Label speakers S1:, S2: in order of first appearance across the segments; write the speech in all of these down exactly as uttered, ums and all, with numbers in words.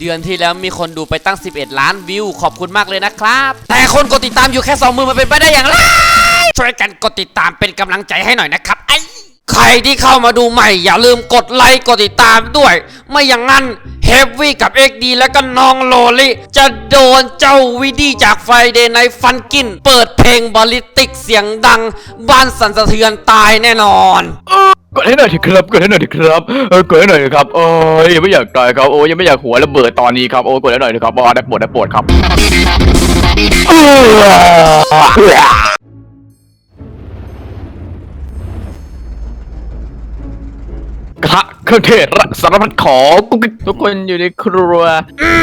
S1: เดือนที่แล้วมีคนดูไปตั้งสิบเอ็ดล้านวิวขอบคุณมากเลยนะครับแต่คนกดติดตามอยู่แค่สองหมื่นมันเป็นไปได้อย่างไรช่วยกันกดติดตามเป็นกำลังใจให้หน่อยนะครับไอ้ใครที่เข้ามาดูใหม่อย่าลืมกดไลค์กดติดตามด้วยไม่อย่างนั้นเฮฟวี่กับ เอ็กซ์ ดี และก็น้องโลลิจะโดนเจ้าวิดีจากไฟเดย์ในฟันกินเปิดเพลงบอลิติกเสียงดังบ้านสั่นสะเทือนตายแน่นอน
S2: กดให้หน่อยทีครับกดให้หน่อยทีครับเออกดให้หน่อยครับโอ้ยยังไม่อยากตายครับโอ้ยยังไม่อยากหัวระเบิดตอนนี้ครับโอ้ยกดให้หน่อยทีครับอ๋อได้ปวดได้ปวดครับกระทะเครื่องเทศสารพัดของทุกคนอยู่ในครัว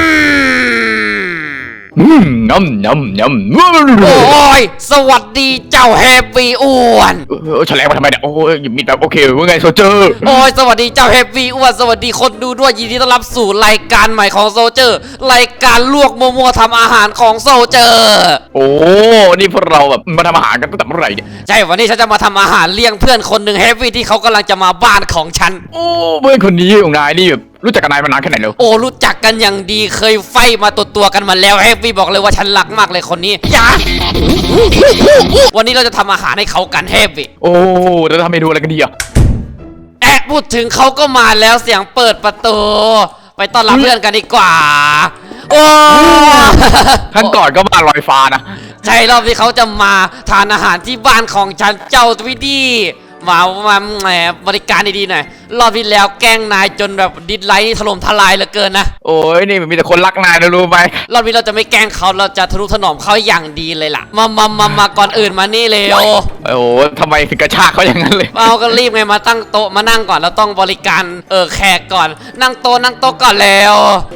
S2: อืมน้ำน้ำน้ำ
S1: โอ้ยสวัสดีเจ้าเฮฟวี่อ้วน
S2: เออแฉลงมาทำไมเนี่ยโอ้ยมีแบบโอเคว่าไงโซเจอร์
S1: โอ้ยสวัสดีเจ้าเฮฟวี่อ้วนสวัสดีคนดูด้วยยินดีต้อนรับสู่รายการใหม่ของโซเจอร์รายการลวกโมโมทำอาหารของโซเจอร์
S2: โอ้นี่พวกเราแบบมาทำอาหารกันตั้งแต่เมื่อไหร่เนี่ย
S1: ใช่วันนี้ฉันจะมาทำอาหารเลี้ยงเพื่อนคนหนึ่งเฮฟวี่ที่เขากำลังจะมาบ้านของฉัน
S2: โอ้เพื่อนคนนี้ของนายนี่แบบรู้จักกันนายมานานแค่ไหนแล้ว
S1: โอ้รู้จักกันอย่างดีเคยไฟมาตัวตัวกันมาแล้วเฮฟวี่บอกเลยว่าฉันรักมากเลยคนนี้อย่าวันนี้เราจะทำอาหารให้เขากันเฮฟวี่
S2: โอ้เราจะทำเมนูอะไรกันดีอ่ะ
S1: แอะพูดถึงเขาก็มาแล้วเสียงเปิดประตูไปต้อนรับเพื่อนกันดีกว่าโอ้
S2: ขั้นก่อนก็มาลอยฟ้านะ
S1: ใช่รอบที่เขาจะมาทานอาหารที่บ้านของฉันเจ้าทวิดี้มามาแหมบริการดีๆหน่อยรอบที่แล้วแกล้งนายจนแบบดิสไลค์ถล่มทลายเหลือเกินนะ
S2: โอ้ยนี่มีแต่คนรักนายนะรู้ไหม
S1: รอบนี้เราจะไม่แกล้งเขาเราจะทะนุถนอมเขาอย่างดีเลยล่ะมามามามาก่อนอื่นมานี่เร็ว
S2: โอ้ทำไมถึงกระชากเขาอย่างนั้นเลย
S1: เอาก็รีบไงมาตั้งโต๊ะมานั่งก่อนเราต้องบริการเออแขกก่อนนั่งโต๊ะนั่งโต๊ะก่อนแล้ว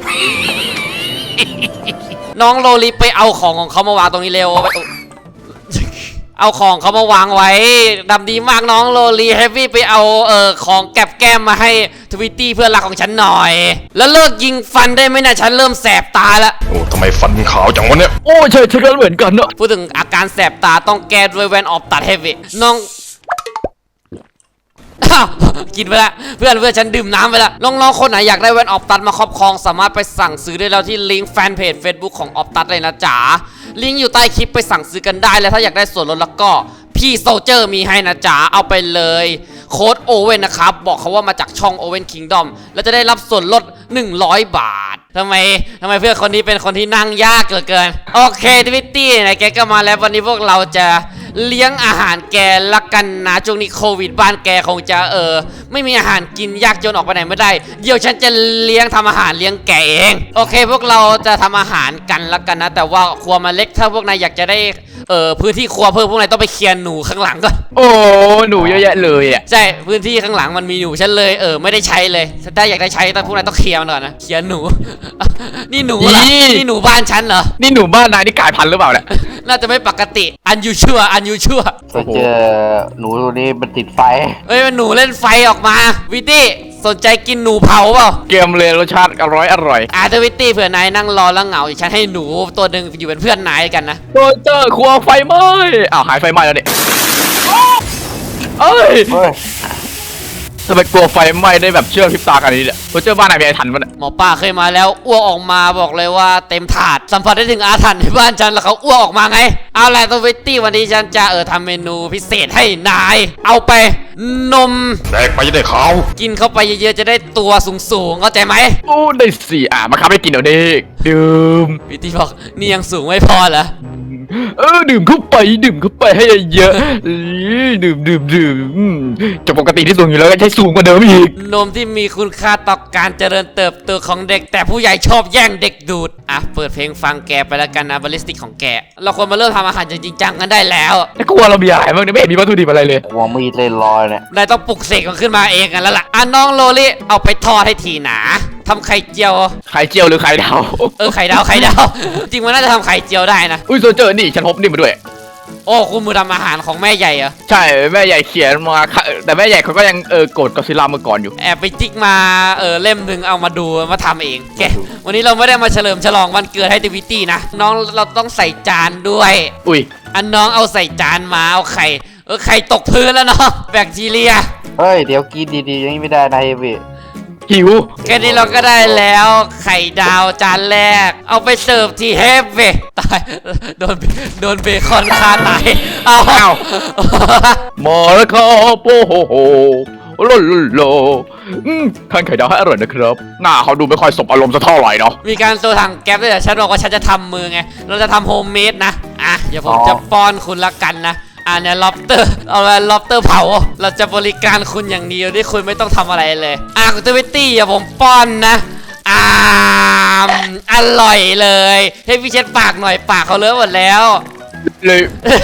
S1: น้องโลลิไปเอาของของเขามาวางตรงนี้เร็วเอาของเขามาวางไว้ดำดีมากน้องโลลีเฮฟวี่ไปเอาเอ่อของแก็บแก้มมาให้ทวิตตี้เพื่อนรักของฉันหน่อยแล้วเลิกยิงฟันได้ไหมนะฉันเริ่มแสบตาแล้ว
S3: โอ้ทำไมฟันขาวจังวะเนี่ย
S2: โอ้ใช่ใช่ก็เหมือนกันเนอะ
S1: พูดถึงอาการแสบตาต้องแก้ด้วยแว่นออฟตัดเฮฟวี่น้องกินไปละเพื่อนเพื่อนฉันดื่มน้ำไปละน้องๆคนไหนอยากได้แว่นออฟตัดมาครอบครองสามารถไปสั่งซื้อได้แล้วที่ลิงก์แฟนเพจ Facebook ของออฟตัดเลยนะจ๋าลิงก์อยู่ใต้คลิปไปสั่งซื้อกันได้แล้วถ้าอยากได้ส่วนลดแล้วก็พี่โซเจอร์มีให้นะจ๋าเอาไปเลยโค้ดโอเว่นนะครับบอกเขาว่ามาจากช่องโอเว่นคิงดอมแล้วจะได้รับส่วนลดหนึ่งร้อยบาททำไมทำไมเพื่อนคนนี้เป็นคนที่นั่งยากเกินเกินโอเคทวิตตี้ไหนแกก็มาแล้ววันนี้พวกเราจะเลี้ยงอาหารแกละกันนะช่วงนี้โควิดบ้านแกคงจะเออไม่มีอาหารกินยากจนออกไปไหนไม่ได้เดี๋ยวฉันจะเลี้ยงทำอาหารเลี้ยงแกเองโอเคพวกเราจะทำอาหารกันละกันนะแต่ว่าครัวมันเล็กถ้าพวกนายอยากจะได้เออพื้นที่ครัวเพิ่มพวกนายต้องไปเคลียร์หนูข้างหลังก่อน
S2: โอ้หนูเยอะแยะเลยอ่ะ
S1: ใช่พื้นที่ข้างหลังมันมีหนูฉันเลยเออไม่ได้ใช้เลยถ้าอยากได้ใช้ต้องพวกนายต้องเคลียร์มันก่อนนะเคลียร์หนูนี่หนูเหรอนี่หนูบ้านฉันเหรอ
S2: นี่หนูบ้านนายนี่กลายพันธุ์หรือเปล่าเนี่ย
S1: น่าจะไม่ปกติอันยูชั่วอันยูชั่ว
S4: เจอหนูตัวนี้มันติดไฟ
S1: เฮ้ยมันหนูเล่นไฟออกมาวิตตี้สนใจกินหนูเผาเปล่า
S2: เกมเลยรสชาติอร่อยอร่อย
S1: อาร์ตวิตตี้เผื่อนายนั่งรอแล้วเหงาฉันให้หนูตัวหนึ่งอยู่เป็นเพื่อนนายกันนะ
S2: โดนเจอครัวไฟไหม้อ้าวหายไฟไหม้แล้วเนี่ยเอ้ยทำไมกลัวไฟไหม้ได้แบบเชื่อพริบตากันนี้เนี่ยโดนเจอบ้านนายมีอะไรทันปะเนี่ย
S1: หมอป้าเคยมาแล้วอ้วกออกมาบอกเลยว่าเต็มถาดสัมผัสได้ถึงอาถรรพ์ในบ้านฉันแล้วเขาอ้วกออกมาไงเอาแหละตัววิตตี้วันนี้ฉันจะเออทำเมนูพิเศษให้นายเอาไปนม
S3: แดกไปจะได้ขาว
S1: กินเข้าไปเยอะๆจะได้ตัวสูงๆเข้าใจไหม
S2: โอ้ได้สิอ่ะมาครับให้กินเดี๋ยวนี้ดื่ม
S1: วิตตี้บอกนี่ยังสูงไม่พอเหรอ
S2: เออดื่มเข้าไปดื่มเข้าไปให้เยอะดื่มดื่มดื่มจากปกติที่สูงอยู่แล้วก็ใช้สูงกว่าเดิมอีก
S1: นมที่มีคุณค่าต่อการเจริญเติบโตของเด็กแต่ผู้ใหญ่ชอบแย่งเด็กดูดอ่ะเปิดเพลงฟังแกไปแล้วกันนะบาลิสติกของแกเราควรมาเริ่มทำอาหารจริงจังกันได้แล้ว
S2: แต่กลัวเรามีอะไรบ้างเนี่ยไม่เห็นมีวัตถุดิบอะไรเลยว
S4: างมีดเลยลอยเนี่ย
S1: นายต้องปลุกเสกมันขึ้นมาเองกันแล้วล่ะอ่ะน้องโลลิเอาไปทอดให้ทีหนาทำไข่เจียว
S2: ไข่เจียวหรือไข่ดาว
S1: เออไข่ดาวไข่ดาวจริงมันน่าจะทำไข่เจียวได้นะ
S2: อุ้ยโซเจอร์นี่ฉันพบนี่มาด้วย
S1: โอ้คุณมือทำอาหารของแม่ใหญ่เหรอ
S2: ใช่แม่ใหญ่เขียนมาแต่แม่ใหญ่เขาก็ยังเออโกรธกอซิลล่าเมื่อก่อนอยู่
S1: แอบไปจิกมาเออเล่มหนึ่งเอามาดูมาทำเองแกวันนี้เราไม่ได้มาเฉลิมฉลองวันเกิดให้ทวิตตี้นะน้องเราต้องใส่จานด้วย
S2: อุ้ย
S1: อันน้องเอาใส่จานมาเอาไข่เออไข่ตกพื้นแล้วเนาะแบคทีเรีย
S4: เฮ้ยเดี๋ยวกินดีๆอย่างนี้ไม่ได้นะเฮฟวี่
S2: หิว
S1: แค่นี้เราก็ได้แล้ว ไข่ดาวจานแรก เอาไปเสิร์ฟที่เฮฟเว่ตายโดนโดนเบคอนฆ่าตายเอา
S2: อ้าว มาแล้วครับโอ้โหโหโลโลโลอืมทานไข่ดาวให้อร่อยนะครับหน้าเขาดูไม่ค่อยสบอารมณ์สักเท่าไหร่เนาะ
S1: มีการโซถังแก๊ปด้วยแต่ฉันบอกว่าฉันจะทำมือไง เราจะทำโฮมเมดนะ อ่ะ เดี๋ยวผมจะป้อนคุณละกันนะ อ่ะเนี่ยล็อบเตอร์ เอาไปล็อบเตอร์เผา เราจะบริการคุณอย่างเดียวที่คุณไม่ต้องทำอะไรเลย อ่ะคุณทวิตตี้อย่าผมป้อนนะ อ่ามอร่อยเลย ให้พี่เช็ดปากหน่อยปากเขาเลอะหมดแล้ว
S2: เลย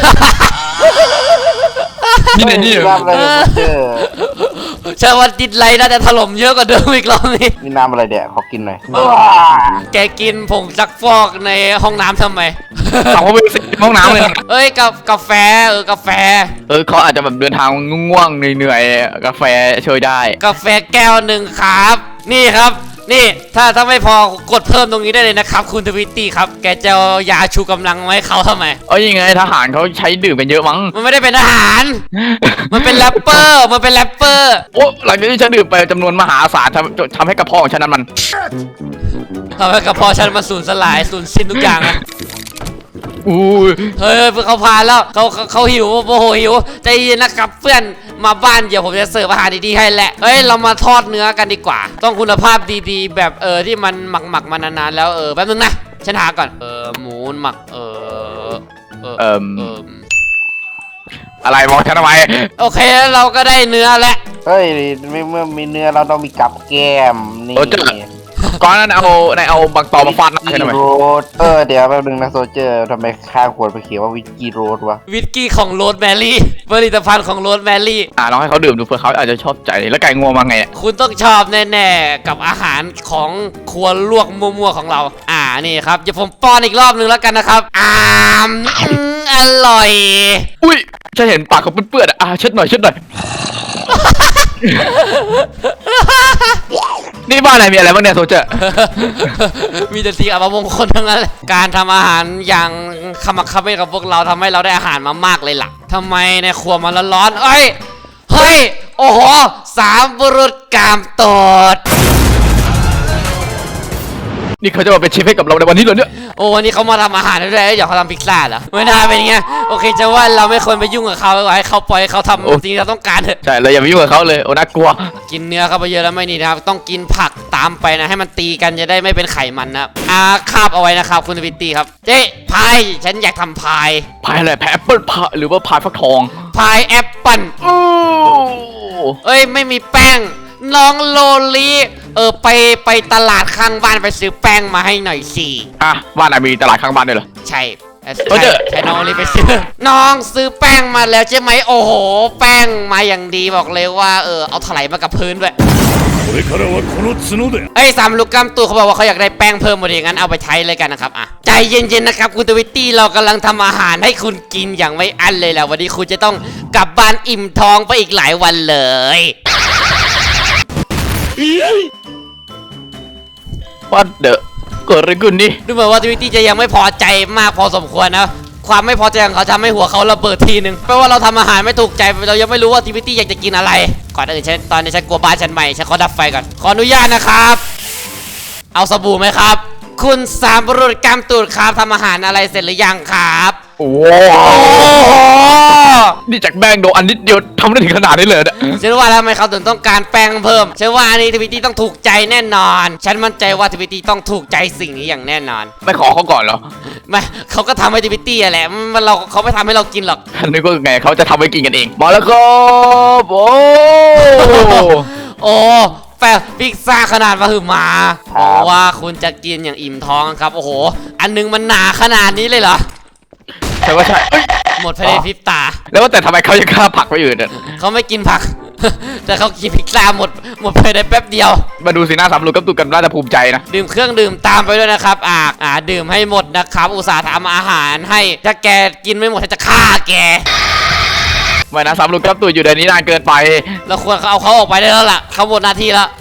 S2: นี่ไหนนี่
S4: มีน้ำอะไรเนี่ยโซเจอร์
S1: เชื่อว่าดิดไลน์น่าจะถล่มเยอะกว่าเดิมอีกรอบนี้
S4: มีน้ำอะไรเดี๋ยวขอกินหน่อย
S1: แกกินผงซักฟอกในห้องน้ำทำไม
S2: เอาเขาไปสิห้องน้ำเลยนะ
S1: เอ้ยกับกาแฟเออกาแฟ
S2: เออเขาอาจจะแบบเดินทางง่วงๆเหนื่อยๆกาแฟช่วยได้
S1: กาแฟแก้วหนึ่งครับ นี่ครับ นี่ถ้าถ้าไม่พอกดเพิ่มตรงนี้ได้เลยนะครับ คุณทวิตตี้ครับ แกจะเอายาชูกำลังไว้เขาทำไม
S2: เอ้ยยังไงทหารเขาใช้ดื่มกันเยอะมั้ง
S1: มันไม่ได้เป็นอาหาร มันเป็นแรปเปอร์ มันเป็นแรปเปอร์
S2: โอ้หลังจากที่ฉันดื่มไปจำนวนมหาศาลทำทำให้กระเพาะของฉันนั้นมัน
S1: ทำให้กระเพาะฉันมาสูญสลายสูญสิ้นทุกอย่างอะ
S2: อู้ย
S1: เฮ้ยเขาพาแล้วเขาเขาเขาหิวโมโหหิวใจเย็นนะครับเพื่อนมาบ้านเดี๋ยวผมจะเสิร์ฟอาหารดีๆให้แหละเฮ้ยเรามาทอดเนื้อกันดีกว่า ต้องคุณภาพดีๆ แบบเออที่มันหมักหมักๆมานานๆแล้วเออแป๊บนึงนะฉันหาก่อนเออหมูหมักเออเออ
S2: เอิ่ม
S1: เออ
S2: อะไรมองฉันทำไม
S1: โอเคแล้วเราก็ได้เนื้อแล้ว
S4: เฮ้ยไม่เมื่อมีเนื้อเราต้องมีกับแก้มนี่
S2: โซเจอร์ก่อนนั้นเอาในเอาบักตอมาฟาดหน้าฉันทำไม
S4: โรดเออเดี๋ยวแป๊บนึงนะโซเจอร์ทำไมข้างขวดไปเขียนว่าวิสกี้โรดวะ
S1: วิสกี้ของโรสแมรี่ผลิตภัณฑ์ของโรสแมรี่
S2: อ่าลองให้เขาดื่มดูเผื่อเขาอาจจะชอบใจแล้วไก่งวงมาไงอะ
S1: คุณต้องชอบแน่ๆกับอาหารของครัวลวกมั่วๆของเรา อ่านี่ครับเดี๋ยวผมป้อนอีกรอบนึงแล้วกันนะครับอ่ามอืมอร่อย
S2: อุ้ยฉันเห็นปากเขาเปื้อนๆอะอ่ะเช็ดหน่อยเช็ดหน่อย นี่บ้านไหนมีอะไรบ้างเนี่ยโซเจอร์
S1: มีแต่สิ่งอัปมงคลทั้งนั้นเลยการทำอาหารอย่างขมักเขม้นกับพวกเราทำให้เราได้อาหารมามากเลยล่ะทำไมในครัวมันร้อนๆเอ้ยเฮ้ยโอ้โหสามบุรุษกามโตด
S2: นี่เขาจะมาเป็นเชฟให้กับเราในวันนี้เหรอเนี่ย
S1: โอ้วันนี้เขามาทำอาหารด้วยเดี๋ยวเขาทำพิซซ่าเหรอไม่น่าเป็นไงโอเคจะว่าเราไม่ควรไปยุ่งกับเขาให้เขาปล่อยให้เขาทำสิ่งที่เราต้องการเถอะ
S2: ใช่เลยอย่าไปยุ่งกับเขาเลยโอ้น่ากลัว
S1: กินเนื้อเข้าไปเยอะแล้วไม่ดีนะครับต้องกินผักตามไปนะให้มันตีกันจะได้ไม่เป็นไขมันนะอาคาบเอาไว้นะครับคุณวิตตี้ครับเจ๊พายฉันอยากทำพาย
S2: พายอะไรพายแอปเปิลพายหรือว่าพายฟักทอง
S1: พายแอปเปิ้ล
S2: โอ้
S1: เอ้ยไม่มีแป้งน้องโลลีเออไปไปตลาดข้างบ้านไปซื้อแป้งมาให้หน่อยสิ
S2: อ่ะบ้านไหนมีตลาดข้างบ้านด้วยเหรอ
S1: ใช่เอ่อ
S2: เออเดี๋
S1: ใช่
S2: ยว
S1: ใช่น้องโอลีไปซื้อ น้องซื้อแป้งมาแล้วใช่ไหมโอ้โห แป้งมาอย่างดีบอกเลยว่าเออเอาถลายมากับพื้นด้วย
S3: これからはこの角で
S1: เอ้ยสามลูกกำตัวเขาบอกว่าเขาอยากได้แป้งเพิ่มมาดีงั้นเอาไปใช้เลยกันนะครับอ่ะใจเย็นๆนะครับคุณทวิตตี้เรากำลังทำอาหารให้คุณกินอย่างไม่อั้นเลยแหละวันนี้คุณจะต้องกลับบ้านอิ่มท้องไปอีกหลายวันเลย
S2: ว่าเดอะเกิดอะไรขึ้นนี่
S1: ดูเหมือนว่าทวิตตี้จะยังไม่พอใจมากพอสมควรนะความไม่พอใจของเขาทำให้หัวเขาระเบิดทีหนึ่งแปลว่าเราทำอาหารไม่ถูกใจเรายังไม่รู้ว่าทวิตตี้อยากจะกินอะไรก่อนอื่นฉันตอนนี้ฉันกลัวบ้านฉันใหม่ฉันขอดับไฟก่อนขออนุญาตนะครับ เอาสบู่ไหมครับ คุณสามบุรุษกำตูดครับทำอาหารอะไรเสร็จหรือยังครับ
S2: โอ้
S1: โอ้โห
S2: นี่จากแบงโดอันนิดเดียวทำได้ถึงขนาดนี้เลยเนี่ย
S1: ฉันว่าทำไมเขาถึงต้องการแป้งเพิ่มฉันว่าอันนี้ทวิตตี้ต้องถูกใจแน่นอน ฉันมั่นใจว่าทวิตตี้ต้องถูกใจสิ่งนี้อย่างแน่นอน
S2: ไม่ขอเขาก่อนเหรอ
S1: ไม่เขาก็ทำให้ทวิตตี้อะแหละมันเราเขาไม่ทำให้เรากินหรอก
S2: นึกว่าไงเขาจะทำไว้กินกันเอง มาแล้วครับโอ้
S1: โอ้แฟพิซซ่าขนาดมาหือมาบอกว่าคุณจะกินอย่างอิ่มท้องครับ โอ้โห อันนึงมันหนาขนาดนี้เลยเหรอ
S2: ใช่ว่าใช่เอ้ย
S1: หมดภายในพริบตา
S2: แล้วว่าแต่ทำไมเขายังฆ่าผักไปอื่นเนี่ย
S1: เขาไม่กินผัก แต่เขากินพิซซ่าหมด หมดภายในแป๊บเดียว
S2: มาดูสีหน้าสามลูกกับตุกกันน่าจะภูมิใจนะ
S1: ดื่มเครื่องดื่มตามไปด้วยนะครับ อ่าอ่าดื่มให้หมดนะครับ อุตส่าห์ทำอาหารให้ ถ้าแกกินไม่หมดฉันจะฆ่าแก
S2: ไม่นะสามลูกกับตุกอยู่ในนี้นานเกินไป
S1: เราควรเอาเขาออกไปได้แล้วล่ะ เขาหมดหน้าที่แล้ว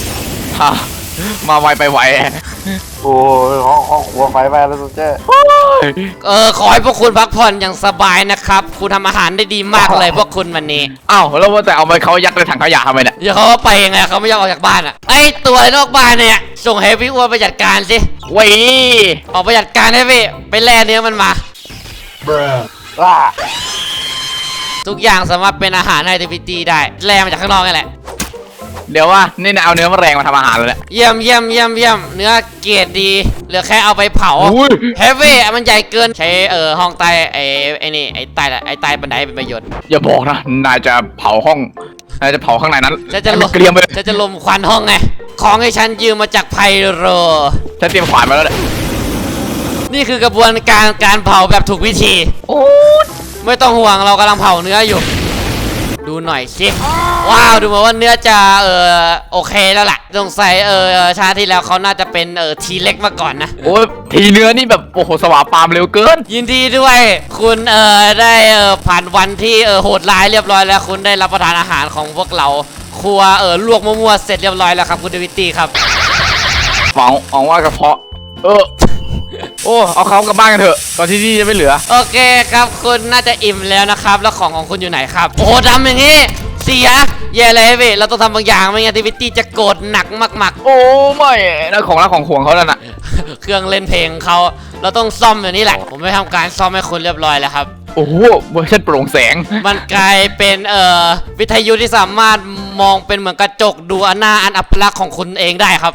S2: ฮะมาไวไปไว
S4: โอ้ยเขาเขาขวไฟไปแล้วโซเจอร์
S2: โอ้
S1: เออขอให้พวกคุณพักผ่อนอย่างสบายนะครับ คุณทำอาหารได้ดีมากเลยพวกคุณวันนี้
S2: อ้าวแล้วว่าแต่เอาไปเขายัดในถังขยะทำไมเนี่ย
S1: เดี๋ยวเขาก็ไปยังไงเขาไม่ยอมออกจากบ้านอ่ะไอตัวนอกบ้านเนี่ยส่งให้พี่อ้วนไปจัดการสิ
S2: เว้ย
S1: ออกไปจัดการให้พี่ไปแล่เนื้อมันมา
S4: ว้า
S1: ทุกอย่างสามารถเป็นอาหารให้ทีพีตีได้แล่มาจากข้างนอกนี่แหละ
S2: เดี๋ยวว่านี่นะเอาเนื้อมะแรงมาทำอาหารเลยแหละ
S1: เยี่ยมเยี่ยมเยี่ยมเยี่ยมเนื้อเกรดดีเหลือแค่เอาไปเผา
S2: อุ้ย
S1: เฮฟวี่มันใหญ่เกินใช้เอ่อห้องใต้ไอ้ไอ้นี่ไอ้ใต้ไอ้ใต้บันไดเป็นประโยชน์
S2: อย่าบอกนะนายจะเผาห้องนายจะเผาข้างในนั้น
S1: จะจะล
S2: ให้มั
S1: ม
S2: นเกรียมไป
S1: จะจะลมควันห้องไงของให้ฉันยืมมาจากไพโร
S2: ฉันเตรียมขวานมาแล้วเนี่ย
S1: นี่คือกระบวนการการเผาแบบถูกวิธี
S2: โอ้
S1: ไม่ต้องห่วงเรากำลังเผาเนื้ออยู่ ดูหน่อยสิว้าวดูเหมือนว่าเนื้อจะเออโอเคแล้วล่ะสงสัยเออชาติที่แล้วเขาน่าจะเป็นเออทีเล็กมาก่อนนะ
S2: โอ้ยทีเนื้อนี่แบบโอ้โหสวาปามเร็วเกิน
S1: ยินดีด้วยคุณเออได้เออผ่านวันที่เออโหดร้ายเรียบร้อยแล้ว คุณได้รับประทานอาหารของพวกเราครัวเออลวกมั่วๆเสร็จเรียบร้อยแล้วครับคุณเดวิตตี้ครับ
S2: ฝังหวังว่ากระเพาะ เออ โอ้เอาเขากลับบ้านกันเถอะตอนที่นี่จะไม่เหลือ
S1: โอเคครับคุณน่าจะอิ่มแล้วนะครับแล้วของของคุณอยู่ไหนครับโอ้โหทำอย่างนี้เสียแย่เลยเว้ยเราต้องทำบางอย่างไม่งั้นเดวิตตี้จะโกรธหนักมาก
S2: โอ้ไม่นั่นของรักของห่วงเขาแล้วน่ะ
S1: ๆ เครื่องเล่นเพลงเขาเราต้องซ่อมอย่างนี้แหละผมไม่ทำการซ่อมให้คุณเรียบร้อยแล้วครับ
S2: โอ้โหเวอร์ชันโปร่งแสง
S1: มันกลายเป็นเอ่อวิทยุที่สามารถมองเป็นเหมือนกระจกดูหน้าอันอัปลักษณ์ของคุณเองได้ครับ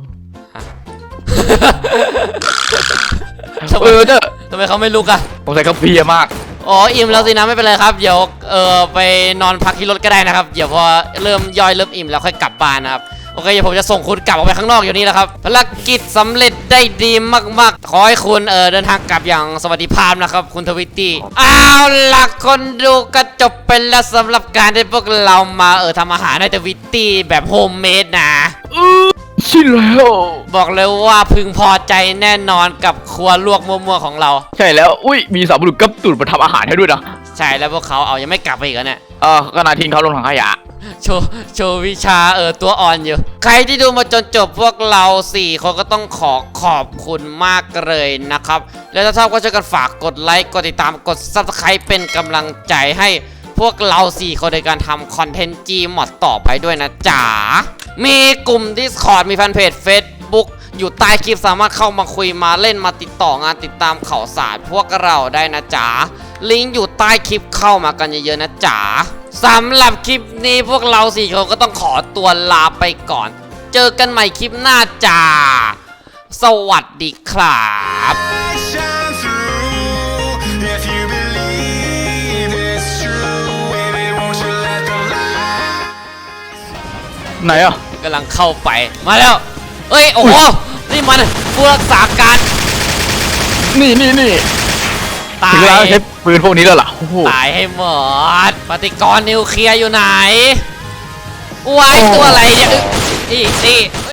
S1: ทำไม
S2: เออเด้อ
S1: ทำไมเขาไม่ลุกอะ
S2: ผมใส่เขาเพลียมาก
S1: อ๋ออิ่มแล้วสินะไม่เป็นไรครับเดี๋ยวเอ่อไปนอนพักที่รถก็ได้นะครับเดี๋ยวพอเริ่มย่อยเริ่มอิ่มแล้วค่อยกลับบ้านนะครับโอเคเดี๋ยวผมจะส่งคุณกลับออกไปข้างนอกอยู่นี่แหละครับภารกิจสำเร็จได้ดีมากๆขอให้คุณเอ่อเดินทางกลับอย่างสวัสดิภาพนะครับคุณทวิตตี้เอาล่ะคนดูก็จบไปแล้วสำหรับการที่พวกเรามาเออทำอาหารให้ทวิตตี้แบบโฮมเมดนะ
S2: ใช่แล้ว
S1: บอกเลยว่าพึงพอใจแน่นอนกับครัวลวกมั่วๆของเรา
S2: ใช่แล้ว อุ้ยมีสาวบุรุษกับตุ่นมาทำอาหารให้ด้วยนะ
S1: ใช่แล้วพวกเขาเอายังไม่กลับไปอีกเหรอเนี่ย
S2: เออก็นายทิ้งเขาลงถังขยะ
S1: โชว์โชว์วิชาเออตัวอ่อนอยู่ ใครที่ดูมาจนจบพวกเราสี่คนก็ต้องขอขอบคุณมากเลยนะครับ แล้วถ้าชอบก็ช่วยกันฝากกดไลค์กดติดตามกด ซับสไครบ์ เป็นกำลังใจให้พวกเราสี่คนในการทำคอนเทนต์ Gmod ต่อไปด้วยนะจ๋ามีกลุ่ม Discord มีแฟนเพจ Facebook อยู่ใต้คลิปสามารถเข้ามาคุยมาเล่นมาติดต่องานติดตามข่าวสารพวกเราได้นะจ๊ะลิงก์อยู่ใต้คลิปเข้ามากันเยอะๆนะจ๊ะสำหรับคลิปนี้พวกเราสี่คนก็ต้องขอตัวลาไปก่อน เจอกันใหม่คลิปหน้าจ้าสวัสดีครับ
S5: shine through. If you believe it's true, baby, won't you let the light?
S2: ไหนอ่ะ
S1: กำลังเข้าไปมาแล้วเอ้ยโอ้โหนี่มันผู้รักษาการ
S2: นี่นี่นี่
S1: ตา
S2: ถึงเวลาย ใช้ปืนพวกนี้แล้วล่ะโอ้โห
S1: ตายให้หมดปฏิกรณ์นิวเคลียร์อยู่ไหนว้ายตัวอะไรเนี่ยอีกนี่